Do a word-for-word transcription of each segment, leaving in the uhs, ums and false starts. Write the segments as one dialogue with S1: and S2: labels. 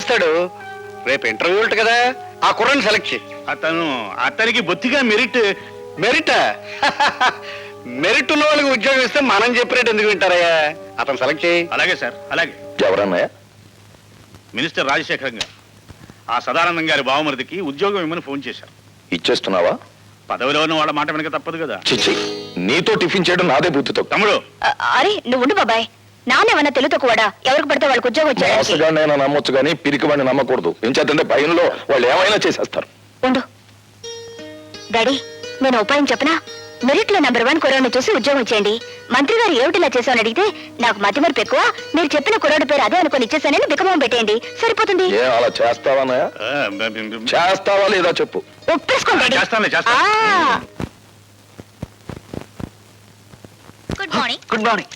S1: చేస్తాడు. రేపు ఇంటర్వ్యూ ఉంటుంది కదా, ఆ కుర్రని సెలెక్ట్ చేయి.
S2: అతను అతనికి బొత్తిగా మెరిట్.
S1: మెరిట్ మెరిట్ ఉన్న వాళ్ళకి ఉద్యోగం ఇస్తే మనం చెప్పినట్టు ఎందుకు వింటారయ్యా? అతను సెలెక్ట్ చేయి.
S2: అలాగే సార్, అలాగే.
S3: ఎవరన్నాయా?
S2: మినిస్టర్ రాజశేఖరం గారు ఆ సదానందం గారి బావమరిదికి ఉద్యోగం ఇమ్మని ఫోన్ చేశారు.
S3: ఇచ్చేస్తున్నావా?
S2: పదవిలో ఉన్న వాళ్ళ మాట వెనక తప్పదు కదా.
S3: చిచ్చి, నీతో టిఫిన్ చేయడం నాదే బుద్ధితో.
S2: తమ్ముడు,
S4: అరే నువ్వు ఉండు బాబాయ్. నానేమన్నా తెలుతో కూడా ఎవరికి పడితే వాళ్ళకి ఉద్యోగం వచ్చాడు.
S3: మోసగాడినైనా నమ్మొచ్చు కానీ పిరికి వాడిని నమ్మకూడదు. ఏం చేద్దంటే భయంలో వాళ్ళు ఏమైనా చేసేస్తారు.
S4: ఉండు డాడీ, నేను ఉపాయం చెప్పనా? మెరిట్ లో నెంబర్ వన్ కుర్రాడిని చూసి ఉద్యోగం ఇచ్చేయండి. మంత్రి గారు ఏమిటిలా చేశామని అడిగితే నాకు మతి మరపు ఎక్కువ, మీరు చెప్పిన కుర్రాడి పేరు అదే అనుకుని ఇచ్చేసానని బికమం పెట్టేయండి, సరిపోతుంది.
S3: ఏ అలా చేస్తావా? చేస్తావా లేదా చెప్పు.
S4: ఒప్పేసుకోండి.
S2: చేస్తానులే, చేస్తాను.
S4: Good morning.
S1: Good morning.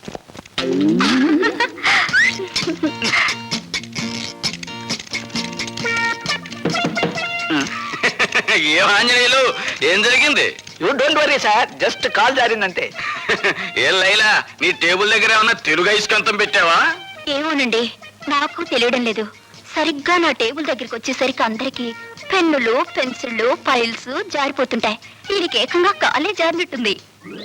S5: ఏం ఆంజనేయులు, ఏం జరిగింది?
S1: You don't worry sir, just కాల్ జారిందంతే.
S5: ఏం లైలా, నీ టేబుల్ దగ్గర ఏమన్నా తెలుగు ఐస్కంతం పెట్టావా?
S4: ఏమోనండి, నాకు తెలియడం లేదు. సరిగ్గా నా టేబుల్ దగ్గరికి వచ్చేసరికి అందరికి పెన్నులు, పెన్సిళ్ళు, ఫైల్స్ జారిపోతుంటాయి. వీడికి ఏకంగా కాలే జారినట్టుంది.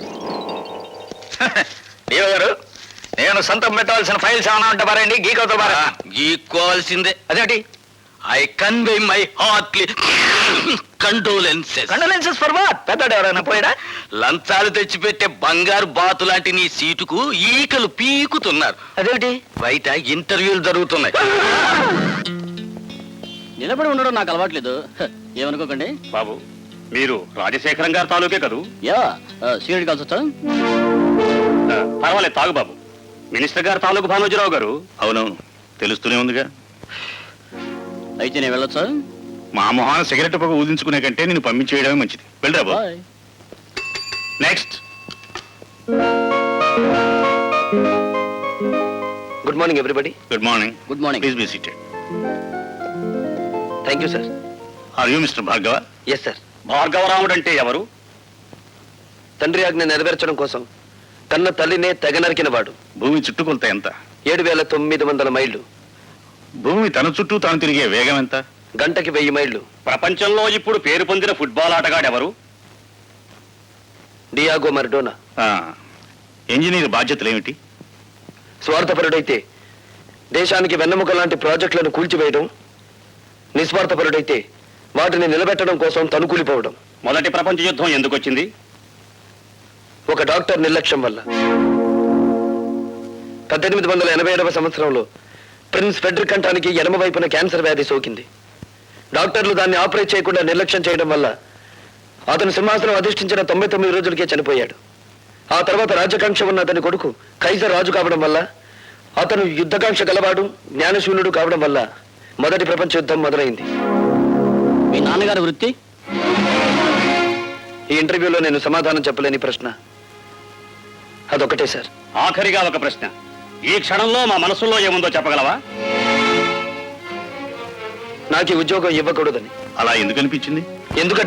S5: దేవ గారు, నేను సొంతం పెట్టవలసిన ఫైల్స్ ఏమైనా ఉంటే పారండి, గీకవుతా పారా. గీక్కోవాల్సిందే. అదేంటి? I convey my heartly condolences.
S1: Condolences for what? పెద్దడు ఎవరైనా పోయాడా?
S5: లంచాలు తెచ్చిపెట్టే బంగారు బాతు లాంటి నీ సీటుకు ఈకలు పీకుతున్నారు.
S1: అదేంటి?
S5: బయట ఇంటర్వ్యూలు జరుగుతున్నాయి.
S6: నిలబడి ఉండడం నాకు అలవాట్లేదు, ఏమనుకోకండి.
S2: బాబు, మీరు రాజశేఖరం గారి తాలూకే కదూ?
S6: యా, సీరియడ్ కాల్స్ వచ్చా?
S2: పర్వాలేదు, తాగు బాబు. మినిస్టర్ గారు తాలూకు భానోజీరావు గారు. అవునవును, తెలుస్తూనే ఉందిగా.
S6: అయితే నేను వెళ్ళొచ్చా?
S2: మా మొహాన సిగరెట్ పొగ ఊదించుకునే కంటే నేను పంపించేయడమే మంచిది. వెళ్ళరా బాబు.
S6: Bye.
S2: Next.
S1: Good morning everybody.
S2: Good morning.
S6: Good morning.
S2: Please be seated.
S1: Thank you sir.
S2: Are you mister Bhargava?
S1: Yes sir.
S2: Bhargavaramudu అంటే ఎవరు?
S1: తండ్రి ఆజ్ఞ నెరవేర్చడం కోసం తన తల్లినే తెగ నరికిన వాడు.
S2: భూమి చుట్టుకొలత ఎంత?
S1: ఏడు వేల తొమ్మిది వందల మైళ్ళు.
S2: భూమి తన చుట్టూ తాను తిరిగే వేగం ఎంత?
S1: గంటకి వెయ్యి మైళ్ళు.
S2: ప్రపంచంలో ఇప్పుడు పేరు పొందిన ఫుట్బాల్ ఆటగాడు ఎవరు?
S1: డియాగో మరడోనా.
S2: ఇంజనీర్ బాధ్యతలు ఏమిటి?
S1: స్వార్థపరుడైతే దేశానికి వెన్నెముక లాంటి ప్రాజెక్టులను కూల్చివేయడం, నిస్వార్థపరుడైతే వాటిని నిలబెట్టడం కోసం తనుకూలిపోవడం.
S2: మొదటి ప్రపంచ యుద్ధం ఎందుకు వచ్చింది?
S1: ఒక డాక్టర్ నిర్లక్ష్యం వల్ల. పద్దెనిమిది వందల ఎనభై ఏడవ సంవత్సరంలో ప్రిన్స్ ఫెడ్రిక్ కంఠానికి ఎడమ వైపున క్యాన్సర్ వ్యాధి సోకింది. డాక్టర్లు దాన్ని ఆపరేట్ చేయకుండా నిర్లక్ష్యం చేయడం వల్ల అతను సింహాసనం అధిష్ఠించిన తొంభై తొమ్మిది రోజులకే చనిపోయాడు. ఆ తర్వాత రాజకాంక్ష ఉన్న అతని కొడుకు కైజర్ రాజు కావడం వల్ల, అతను యుద్ధకాంక్ష గలవాడు, జ్ఞానశూన్యుడు కావడం వల్ల మొదటి ప్రపంచ యుద్ధం మొదలైంది.
S6: మీ నాన్నగారి వృత్తి?
S1: ఈ ఇంటర్వ్యూలో నేను సమాధానం చెప్పలేని ప్రశ్న అదొకటే సార్.
S2: ఆఖరిగా ఒక ప్రశ్న. ఈ క్షణంలో మా మనసులో ఏముందో చెప్పగలవా?
S1: నాకు ఈ ఉద్యోగం ఇవ్వకూడదని.
S2: అలా ఎందుకు అనిపించింది?
S1: ఎందుకంటే